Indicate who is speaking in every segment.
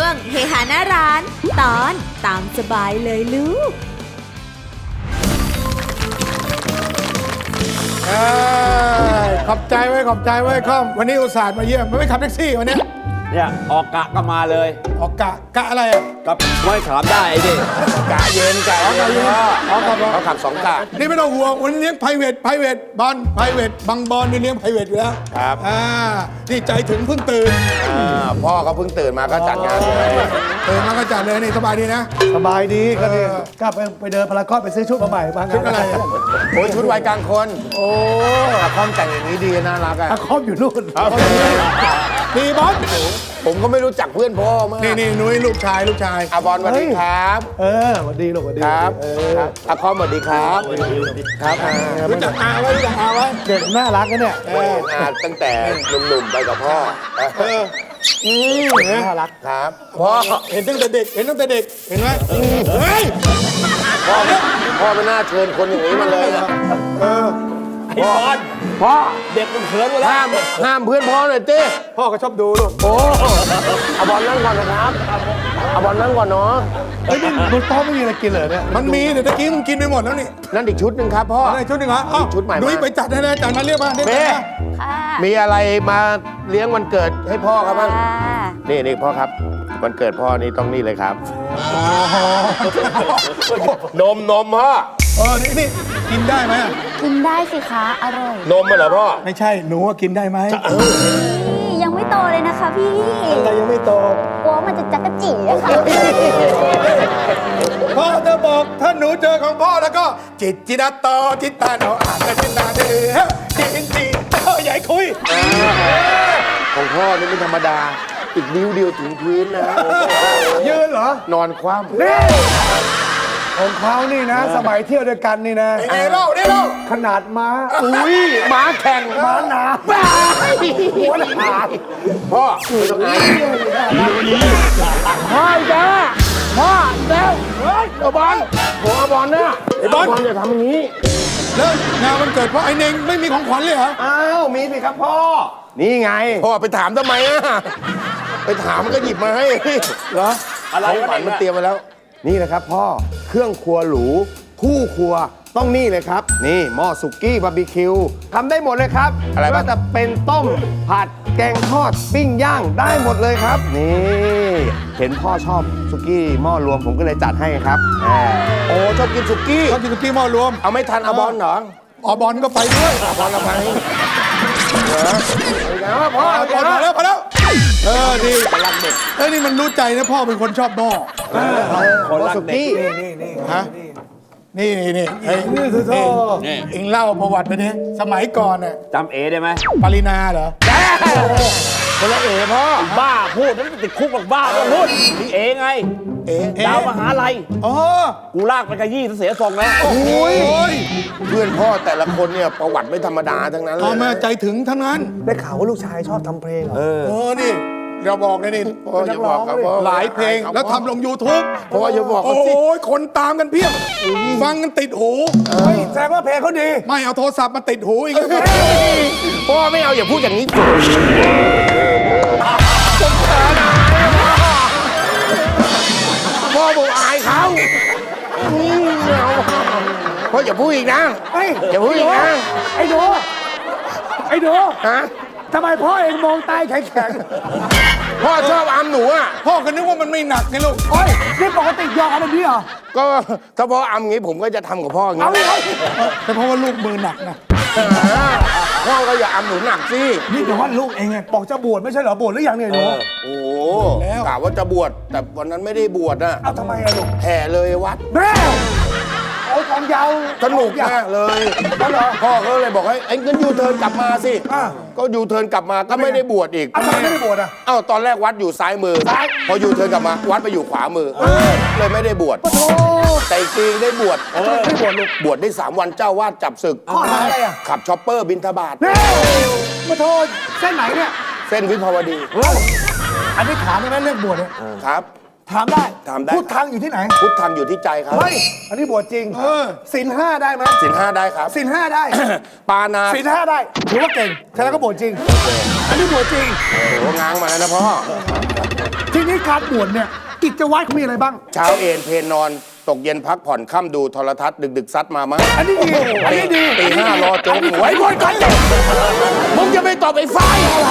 Speaker 1: งเฮฮาหน้าร้าน ตอนตามสบายเลยลูก
Speaker 2: ขอบใจไว้ขอบใจไว้ค่อมวันนี้อุตส่าห์มาเยี่ยมไม่ขับแท็กซี่วันนี้
Speaker 3: เนี่ยออกกะก็มาเลย
Speaker 2: ออกกะอะไรอ่ะ
Speaker 3: กับไม่ถามได้ไอ้ดิ
Speaker 4: กะเย็นกะเย็นเขาขับ2 กะ
Speaker 2: นี่ไม่ต้องห่วงวันนี้เลี้ยงไพรเวทบอลไพรเวทบางบอลนี่เลี้ยงไพรเวทอยู่แล้ว
Speaker 4: ครับ
Speaker 2: นี่ใจถึงเพิ่งตื่น
Speaker 4: พ่อเขาเพิ่งตื่นมาก็จัดงานเลย
Speaker 2: ตื่นมาก็จัดเลยนี่สบายดีนะ
Speaker 5: สบายดีก็เนี่ยก็ไปเดินพารากอนไปซื้อชุดมาใหม่มางาน
Speaker 2: ชุดอะไรอ่ะ
Speaker 4: โอ้ยชุดวัยกลางคนโอ้คอมแต่งอย่างนี้ดีน่ารักอ่ะ
Speaker 5: อาคอมอยู่นู่น
Speaker 2: นี่บอล
Speaker 4: ผมก็ไม่รู้จักเพื่อนพ่อมาก
Speaker 2: นี่นุ้ยลูกชาย
Speaker 4: อาบอลสวัสดีครับ
Speaker 5: สวัสดีลูกสวัสดี
Speaker 4: ครับอาคอมสวัสดีครับครับ
Speaker 2: รู้จักอาไว้
Speaker 5: เด็กน่ารักนะเนี่ย
Speaker 4: ตั้งแต่หนุ่มๆไปกับพ่อ
Speaker 5: น่ารัก
Speaker 4: ครับพ่อ
Speaker 2: เห็นตั้งแต่เด็กเห็นไหมเฮ้ย
Speaker 4: พ่อไม่น่าเชิญคนอย่างนี้มาเลยนะ
Speaker 3: ไอ้บอลพ่อเด็กมันเขินหมดแล้ว
Speaker 4: ห้ามเพื่อนพ่อหน่อยเต้
Speaker 2: พ่อก็ชอบดูลูก
Speaker 4: โอ้อาบอลนั่งก่อนนะครับอาบอลนั่งก่อนเนาะ
Speaker 5: เฮ้ยนี่บนโต๊ะไม่มีอะไรกินเลยเนี่ย
Speaker 2: มันมีแต่ตะกี้มึงกินไปหมดแล้วนี่
Speaker 4: นั่นอีกชุดหนึ่งครับพ่อ
Speaker 2: อะไรชุดหนึ่งเหรออ้าว
Speaker 4: ชุดใหม่มา
Speaker 2: นุ้ยไปจัดให้เลยจัดมาเรียกมาเรียก
Speaker 4: เม่
Speaker 2: มา
Speaker 4: มีอะไรมาเลี้ยงวันเกิดให้พ่อครับบ้างนี่พ่อครับวันเกิดพ่อนี่ต้องนี่เลยครับนมพ่อ
Speaker 2: นี่กินได้ไหม
Speaker 6: กินได้สิคะ อร่อย
Speaker 4: นมมาเหรอพ่อ
Speaker 2: ไม่ใช่หนูว่ากินได้ไหม
Speaker 6: ยังไม่โตเลยนะคะพี่
Speaker 2: อะไรยังไม่โต
Speaker 6: กลัวมันจะจักระจีอะค่ะ
Speaker 2: พ่อจะบอกถ้าหนูเจอของพ่อแล้วก็ จิตโตจิตตาโนอาจจะจิตตาเดือจิตใหญ่คุย
Speaker 4: ของพ่อนี่ไม่ธรรมดาอีกนิ้วเดียวถึงพื้นนะ
Speaker 5: ยืนเหรอน
Speaker 4: อนคว่ำ
Speaker 5: นี่ของเขานี่นะ สมัยเที่ยวด้วยกันนี่นะ
Speaker 2: นี่เล่า
Speaker 5: ขนาดม้า
Speaker 4: อุ้ยม้าแข่ง
Speaker 5: ม้าหนา
Speaker 4: หัวหนาพ่อไม่ต้องอายพ่อจ้าพ่อแล้วเฮ้ยเอาบอลผมเอาบอลนะไอ้บอลอย่าทำอย่างนี้
Speaker 2: แล้วงานวันเกิดพ่อไอ้เน่งไม่มีของขวัญเลยเหรอ
Speaker 4: อ้าวมีสิครับพ่อนี่ไงพ่อไปถามทำไมอ่ะไปถามมันก็หยิบมาให้เหรอ
Speaker 3: อะไร
Speaker 4: ของขวัญมัน
Speaker 3: เนี่ย
Speaker 4: เตรียมมาแล้ว นี่นะครับพ่อเครื่องครัวหรูคู่ครัวต้องนี่เลยครับ นี่หม้อสุกี้บาร์บีคิวทำได้หมดเลยครับอะไรบ้างจะเป็นต้มผัดแกงทอดปิ้งย่างได้หมดเลยครับ นี่เห็นพ่อชอบสุกี้หม้อรวมผมก็เลยจัดให้ครับโอ้ชอบกินสุกี้
Speaker 2: ชอบกินสุกี้หม้อรวม
Speaker 4: เอาไม่ทันเอาบอลเหรอ
Speaker 2: บอลก็ไปด้วย
Speaker 4: บอลละไปพ่อ
Speaker 2: พอแล้วดีนี่มันรู้ใจนะพ่อเป็นคนชอบหม้อ
Speaker 4: คนรักเด็ก
Speaker 2: ฮะนี่เอ็งเล่าประวัติไปดิสมัยก่อนน่ะ
Speaker 3: จำเอได้ไหม
Speaker 2: ปรินาเหรอ
Speaker 4: คนละเอ๋พ่อ
Speaker 3: บ้าพูดนั้นติดคุกหรอกบ้าก็พูดพี่เอไงดาวมหาลัย
Speaker 2: อ๋อ
Speaker 3: กูลากไปกระยี่เสียทรงแล้ว
Speaker 2: โอ้ย
Speaker 4: เพื่อนพ่อแต่ละคนเนี่ยประวัติไม่ธรรมดาทั้งนั้นเล
Speaker 2: พ่อย แม่ใจถึงทั้งนั้น
Speaker 5: ได้ข่าวว่าลูกชายชอบทำเพลงเหรอ
Speaker 2: นี่เราบอกเลยนี่
Speaker 4: พ่ออย่าบอกครับพ่อ
Speaker 2: หลายเพลงแล้วทำลง YouTube
Speaker 4: พ่ออย่าบอก
Speaker 2: โอ้
Speaker 4: เขาสิ
Speaker 2: ยคนตามกันเพียบฟังกันติดหู
Speaker 5: แสดงว่าเพลงเขาดี
Speaker 2: ไม่เอาโทรศัพท์มาติดหูอีก
Speaker 4: พ่อไม่เอาอย่าพูดอย่างนี้พ่อบอกอายเขาพ่ออย่าพูดอีกนะ
Speaker 5: เฮ้ย
Speaker 4: อย่าพูดอีกนะ
Speaker 5: ไอ้หนู
Speaker 4: ฮะ
Speaker 5: ทำไมพ่อเองมองตายแข็ง
Speaker 4: พ่อชอบอามหนูอ่ะ
Speaker 2: พ่อก็นึกว่ามันไม่หนักไงลูก
Speaker 5: ๆเฮ้ยนี่ปกติยอมแบบนี้เหรอ
Speaker 4: ก็ถ้าพ่ออามงี้ผมก็จะทำกับพ่ออย่าง
Speaker 5: เอา
Speaker 4: นี้
Speaker 5: เลย
Speaker 2: แต่เพราะว่าลูกมือหนักนะ
Speaker 4: พ่อก็อย่าอามหนูหนักสิ
Speaker 5: นี่แต่ว่าลูกเองไงบอกจะบวชไม่ใช่เหรอบวชหรือยังเนี่ยหนู
Speaker 4: โอ้โหกะว่าจะบวชแต่วันนั้นไม่ได้บวชน่ะ
Speaker 5: เอาทำไมอะลูก
Speaker 4: แห่เลยวัด
Speaker 5: แม่โอ้ยของยาว
Speaker 4: สนุกมากเลยพ่อก็เลยบอกให้ไอ้งั้นยูเทิร์นกลับมาสิก็ยูเทิร์นกลับมาก็ไม่ได้บวชอีก
Speaker 5: ทำไมไม่ได้บวชอ่ะ
Speaker 4: เอ้าตอนแรกวัดอยู่ซ้ายมือพอยูเทิร์นกลับมาวัดไปอยู่ขวามือเลยไม่ได้บวชแต่อีกปีได้บวช
Speaker 5: ไม่บวชลูก
Speaker 4: บวชได้3 วันเจ้าวาดจับศึก
Speaker 5: ข้อหาอะไรอ่ะ
Speaker 4: ขับช็อปเปอร์บินทบาท
Speaker 5: เฮ้ยมาโทษเส้นไหนเนี่ย
Speaker 4: เส้นวิภาวดี
Speaker 5: อันนี้ถามได้ไหมเรื่องบวชเนี่ย
Speaker 4: ครับ
Speaker 5: ถามได้
Speaker 4: ถามได้
Speaker 5: พูดทางอยู่ที่ไหน
Speaker 4: พุทธังอยู่ที่ใจครับ
Speaker 5: เฮ้ยอันนี้บวชจริงศีลห้าได้ไหม
Speaker 4: ศีล5ได้ครับ
Speaker 5: ศีลห้าได้
Speaker 4: ปานา
Speaker 5: ศีลห้าได้ถือว่าเก่งแค่นั้นก็บวชจริง อันนี้บวชจริง
Speaker 4: โอ้โหง้างมาแล้วนะพ่อ
Speaker 5: ทีนี้การบวชเนี่ยกิจวัตรเขามีอะไรบ้าง
Speaker 2: เช้าเอนเพลนอนตกเย็นพักผ่อนค่ำดูโทรทัศน์ดึกซัดมามั้ง
Speaker 5: อันนี้ดีอันนี้ดี
Speaker 2: ตีห้ารอโจ๊กหวยหมดกันเลยมึงจะไปตอบไอ้ไฟ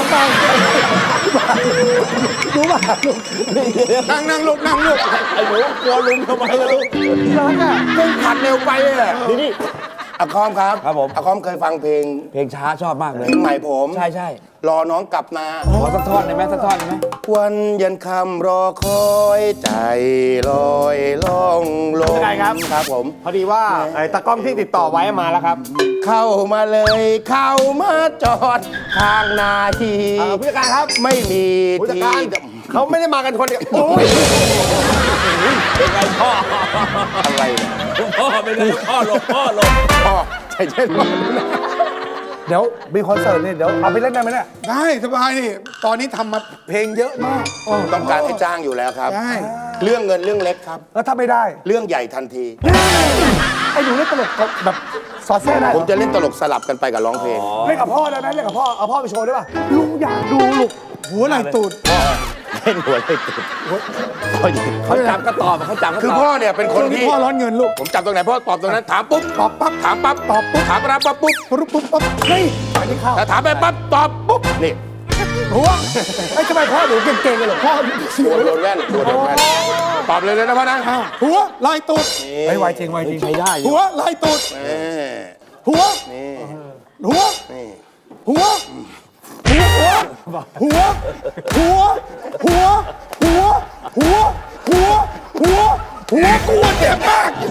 Speaker 2: นั่งลูก
Speaker 3: ไอ้หนูกลัวลุงทำไมล่ะลูก
Speaker 2: มึงผัดเร็วไปเลย
Speaker 3: นี่
Speaker 2: อาคอมครับ
Speaker 3: ครับผม
Speaker 2: อาคอมเคยฟังเพลง
Speaker 3: เพลงช้าชอบมากเลย
Speaker 2: เพลงใหม่ผม
Speaker 3: ใช่ใช่
Speaker 2: รอน้องกลับนา
Speaker 3: ขอสักท่อนได้ไหมสักท่อนได้ไหม
Speaker 2: วันยันคำรอคอยใจลอยล่องลม
Speaker 4: เป็นไงครับ
Speaker 2: ครับผม
Speaker 4: พอดีว่าไอ้ตากล้องที่ติดต่อไว้มาแล้วครับ
Speaker 2: เข้ามาเลยเข้ามาจอดข้างนาที
Speaker 4: ผู้จัดการครับ
Speaker 2: ไม่มี
Speaker 4: ผู้จัด
Speaker 2: ที่
Speaker 4: การเขาไม่ได้มากันคนเดียวโอ้ย
Speaker 3: เป็นไงพ่อ
Speaker 2: อะไรเนี่ย
Speaker 3: พ่อเป็นไงพ่อลง
Speaker 2: พ่อใจเย็นพ่อ
Speaker 5: เดี๋ยวมีคอนเสิร์ตเนี่ยเดี๋ยวเอาไปเล่นได้ไหมเนี่ย
Speaker 2: ได้สบายนี่ตอนนี้ทำมาเพลงเยอะมากต้องการให้จ้างอยู่แล้วครับเรื่องเงินเรื่องเล็กครับ
Speaker 5: แล้วถ้าไม่ได้
Speaker 2: เรื่องใหญ่ทันที
Speaker 5: ไอ้หนูเล่นตลกแบบสอดแทรกได้
Speaker 2: ผมจะเล่นตลกสลับกันไปกับร้องเพลง
Speaker 5: เล่นกับพ่อได้ไหมเล่นกับพ่อเอาพ่อไปโชว์ได้ป่ะลุงอยากดูลูกหัวไหล่ตูด
Speaker 2: เล่นหัวเลยติด
Speaker 3: เขาจับก็ตอบเขาจับก็
Speaker 2: คือ
Speaker 3: ตอบ
Speaker 2: พ่อเนี่ยเป็นคนที่
Speaker 5: พ่อร้อนเงินลูก
Speaker 2: ผมจับตรงไหนพ่อตอบตรงนั้นถามปุ๊บ
Speaker 5: ตอบปั๊บ
Speaker 2: ถามปั๊บตอบปุ๊บถามรับปั๊บปุ๊บ
Speaker 5: ปุ๊บปุ๊บปั๊บเฮ้ยอันนี้เข้า
Speaker 2: ถ้าถามไปปั๊บตอบปุ๊บนี่
Speaker 5: หัวไอ้ทำไมพ่อหนูเก่งๆเลยเหรอพ่อ
Speaker 2: โดนแว่นตอบเลยนะพ่อนะ
Speaker 5: หัวไหล่ตูดไอ้ไวจริงไวจริง
Speaker 3: ใช้ได้อยู่
Speaker 5: หัวไหล่ตูด
Speaker 2: นี่
Speaker 5: หัว
Speaker 2: นี่
Speaker 5: หัว
Speaker 2: นี่
Speaker 5: หัวหัวหัวหัวหัวหัวหัวหัวหัวหัวกูเจ็บมาก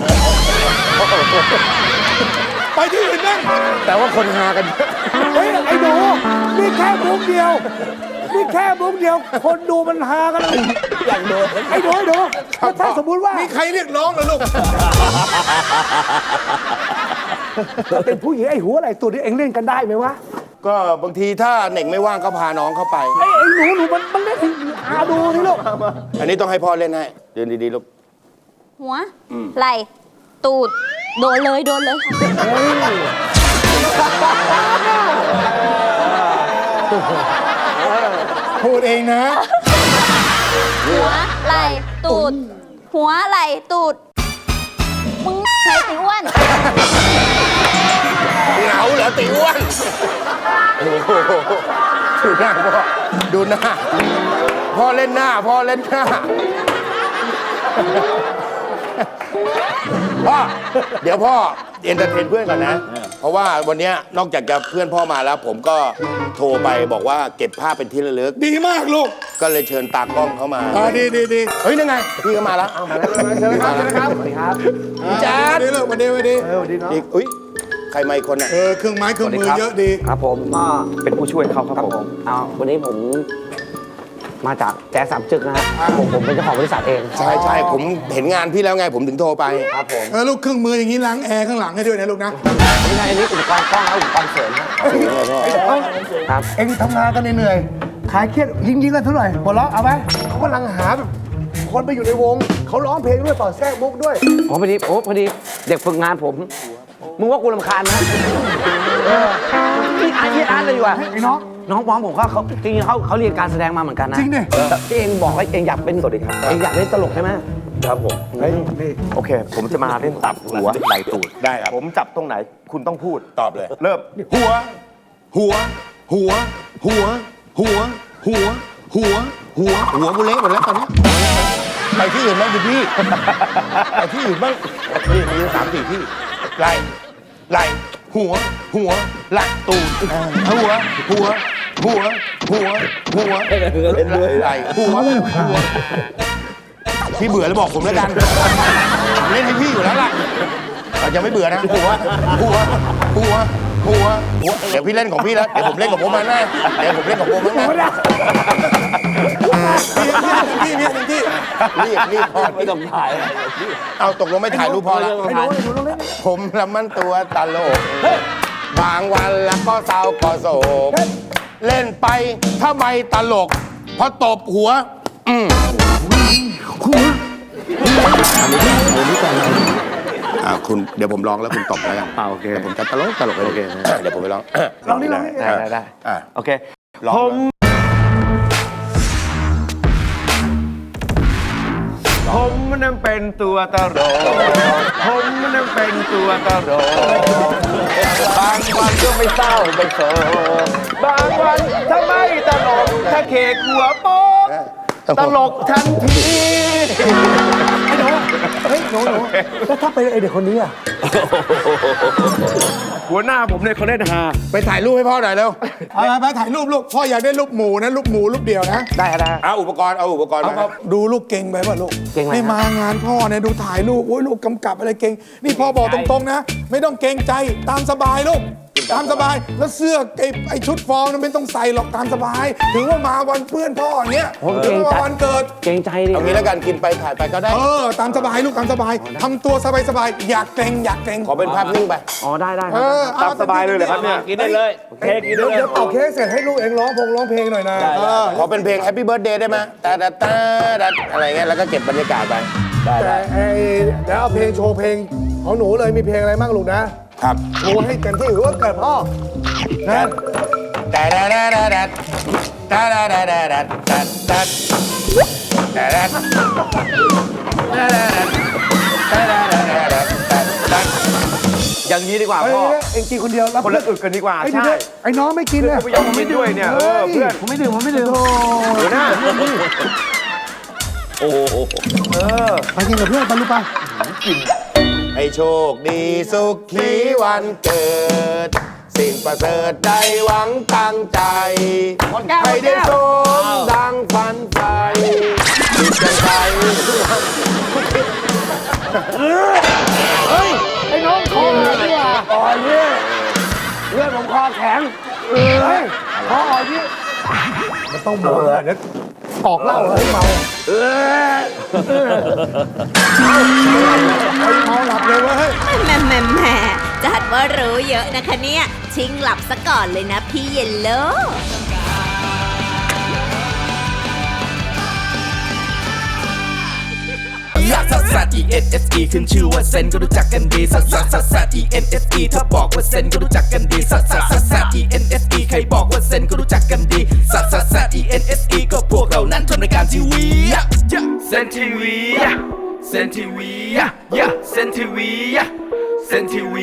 Speaker 5: ไปที่อื่นนั่ง
Speaker 2: แต่ว่าคนหากัน
Speaker 5: เฮ้ยไอ้หนูนี่แค่มุกเดียวนี่แค่มุกเดียว คนดูมันหากันเลย
Speaker 3: อย่างโดน
Speaker 5: ไอ้หนูแล้วถ้าสมมุติว่า
Speaker 2: มีใครเรียกน้องเหรอลูก
Speaker 5: เป็นผู้หญิงไอ้หัวอะไรตัวนี้เองเล่นกันได้ไหมวะ
Speaker 2: ก็บางทีถ้าเหน่งไม่ว่างก็พาน้องเข้าไป
Speaker 5: ไอ้หนูมันเล่นให้อาดูนี่ลูก
Speaker 2: อันนี้ต้องให้พ่อเล่นให้เดินดีๆลูก
Speaker 6: หัว ไหล่ตูด โดนเลยค่ะ
Speaker 2: พูดเองนะ
Speaker 6: หัวไหล่ตูด หัวไหล่ตูด มึงไหนสิอ้วน
Speaker 2: เหงาเหรอติอ้วนโอ้โหดูหน้าพ่อดูหน้าพ่อเล่นหน้าพ่อเล่นหน้าพ่อเดี๋ยวพ่อเอนเตอร์เทนเพื่อนก่อนนะ เพราะว่าวันเนี้ยนอกจากจะเพื่อนพ่อมาแล้ว ผมก็โทรไปบอกว่าเก็บภาพเป็นที่ระลึก
Speaker 5: ดีมากลูก
Speaker 2: ก็เลยเชิญตากล้องเข้ามา
Speaker 5: ดี
Speaker 2: เฮ้ยนั่นไงพี่ก็มาแล้วเอามาแล้วเชิญครับสวัสดีครับแจ๊ด
Speaker 5: ดีเลยวันดี
Speaker 2: อีกอุ้ยใครมาอีกคนอ่ะ
Speaker 5: เครื่องไม้เครื่องมือเยอะดี
Speaker 7: ครับผมก็เป็นผู้ช่วยเขาครับผมวันนี้ผมมาจากแจ๊สสามจึกนะฮะผมเป็นเจ้าของบริษัทเอง
Speaker 2: ใช่ผมเห็นงานพี่แล้วไงผมถึงโทรไป
Speaker 7: ครับผม
Speaker 5: ลูกเครื่องมืออย่างนี้ล้างแอร์ข้างหลังให้ด้วยนะลูกนะ
Speaker 7: ไม่ใช่อันนี้อุปกรณ์กล้องและอุปกรณ์เสริมครับ
Speaker 5: เอ็งทำงานกันเหนื่อยขายเครียดยิงกันเท่าไหร่หัวเราะเอาไหมเขากำลังหาแบบคนไปอยู่ในวงเขาร้องเพลงด้วยต่อแทรกมุกด้วย
Speaker 7: พอดีเด็กฝึกงานผมมึงว่ากูรำคาญไหมนี่อ่านเลยดีกว่า
Speaker 5: ไอ้น้อง
Speaker 7: น้องผมเขาจริงๆเขาเรียนการแสดงมาเหมือนกันนะ
Speaker 5: จริงดิ
Speaker 7: ที่เองบอกว่าเองอยากเป็นสวัสดีครับเองอยากเล่นตลกใช่ไหม
Speaker 3: ครับผม
Speaker 4: โอเค ผมจะมาเล่นตับหัวไหลตูด
Speaker 2: ได้ครับ
Speaker 4: ผมจับตรงไหน คุณต้องพูด
Speaker 2: ตอบเลย
Speaker 4: เริ่ม
Speaker 2: หัว หัว หัว หัว หัว หัว หัว หัว หัวกูเละหมดแล้วตอนนี้ไปที่อื่นบ้างดิพี่ไปที่อื่นบ้างนี่มี3-4 ที่ไหลหัว หัวไหลตูดหัว หัว หัว หัว หัว
Speaker 3: เล่นด้วย
Speaker 2: ไหลหัว หัว พี่เบื่อแล้วบอกผมแล้วกันผมเล่นให้พี่อยู่แล้วล่ะเราจะไม่เบื่อนะหัว หัว หัว หัว หัว เดี๋ยวพี่เล่นของพี่แล้ว เดี๋ยวผมเล่นของผมมาแน่เดี๋ยวผมเล่นของผมมาแน่รีบพ่อ
Speaker 3: ไม่ต้องถ่าย
Speaker 2: เอาตกลงไม่ถ่ายรูปพ่อแล้ว ผมละมันตัวตลก บางวันแล้วก็เศร้าก็โศก เล่นไปถ้าไม่ตลก พอตบหัว คุณเดี๋ยวผมร้องแล้วคุณตบแล้วกัน
Speaker 7: โอเค
Speaker 2: เดี๋ยวผมจะตลกเลยโอเคเดี๋ยวผมไปร้อง
Speaker 5: ลองนี่
Speaker 7: ได้
Speaker 2: อ่ะ
Speaker 7: โอเค
Speaker 2: ร้อง
Speaker 7: ผมนั้นเป็นตัวตลกผมนั้นเป็นตัวตลกบางวันก็ไม่เศร้าไม่โศกบางวันถ้าไม่ตลกถ้าเคกหัวโป๊กตลกทันที
Speaker 5: เฮ้ยหนูแล้วถ้าเป็นไอเด็กคนนี้อะ
Speaker 7: หัวหน้าผมเนี่ยเขาเล่นฮา
Speaker 2: ไปถ่ายรูปให้พ่อหน่อยเร็ว
Speaker 5: ไปถ่ายรูปลูกพ่ออยากได้รูปหมูนะรูปหมูรูปเดียวนะ
Speaker 7: ได้ได้
Speaker 2: เอาอุปกรณ์มา
Speaker 5: ดูลูกเก่งไปป่ะลูก
Speaker 7: เก่งไหม
Speaker 5: นี่มางานพ่อเนี่ยดูถ่ายรูปโอ้ยลูกกำกับอะไรเก่งนี่พ่อบอกตรงๆนะ ไม่ต้องเกรงใจตามสบายลูกตามสบายแล้วเสื้อไอชุดฟอร์มนั้นไม่ต้องใส่หรอกตามสบาย ถึงว่ามาวันเพื่อนพ่ออย่างเงี้ยถึงว่าวันเกิด
Speaker 7: เกรงใจดิ
Speaker 2: เอางี้แล้วกันกินไปถ่ายไปก็ได้
Speaker 5: ตามสบายลูกตามสบายทำตัวสบายๆอยากเกรงอยากเกรง
Speaker 2: ขอเป็นภาพนิ่งไป
Speaker 7: อ๋อได้ได้ครับตามสบายเลยเหรอครับเนี่ย
Speaker 3: กินได้เลยเค้กกินได้เลย
Speaker 5: เดี๋ยวเป่าเค้กเสร็จให้ลูกเองร้องเพลงหน่อยนะ
Speaker 2: ขอเป็นเพลง Happy Birthday ได้ไหมตาดาตาดัดอะไรเงี้ยแล้วก็เก็บบรรยากาศไป
Speaker 5: แต่เดี๋ยวเอาเพลงโชว์เพลงของหนูเลยมีเพลงอะไรบ้างลูกนะครับ โชว์ให้เต็มที่ถือว่าเกิดพ่อนะ
Speaker 2: ตาดาดาดาดัดตาดาดาดาดัดดัดดัดตาดาดาดาดัดตาดาดาดาดัดดัดดัด
Speaker 7: อย่างนี้ดีกว่าพ่อ
Speaker 5: เองกินคนเดียวแล้ว
Speaker 7: คนละอึกกันดีกว่า
Speaker 5: ไอ้
Speaker 7: ใช่
Speaker 5: ไอ้น้องไม่กินเลย
Speaker 7: ไม่ยอมกินด้วยเนี่ยเพื่อนผมไม่ดื่มหัวหน้า
Speaker 3: โอ้โห
Speaker 5: ไปกินกับเพื่อนไปลูกไป
Speaker 2: ให้โชคดีสุขีวันเกิด สิ่งประเสริฐใดหวังตั้งใจให้ได้สมดังฝันใฝ่จิตใจ
Speaker 5: ไอ้น้องคอหักดีกว่าอ่อนเนี่ยเลือดผมคอแข็งคออ่อนนี่มันต้องบอกเดี๋ยวออกเหล้าให้เมาเมาหลับเลยเว้ย
Speaker 1: แหมจัดว่ารู้เยอะนะคะเนี่ย ชิงหลับซะก่อนเลยนะพี่เยลโล่
Speaker 8: ลักซัสซัส E N S E ขึ้นชื่อว่าเซนก็รู้จักกันดีซัสซัสซัสซัส E N S E ถ้าบอกว่าเซนก็รู้จักกันดีซัสซัสซัสซัส E N S E ใครบอกว่าเซนก็รู้จักกันดีซัสซัสซัส E N S E ก็พวกเรานั้นทำรายการทีวีเซนทีวีเซนทีวีเซนทีวีเซนทีวี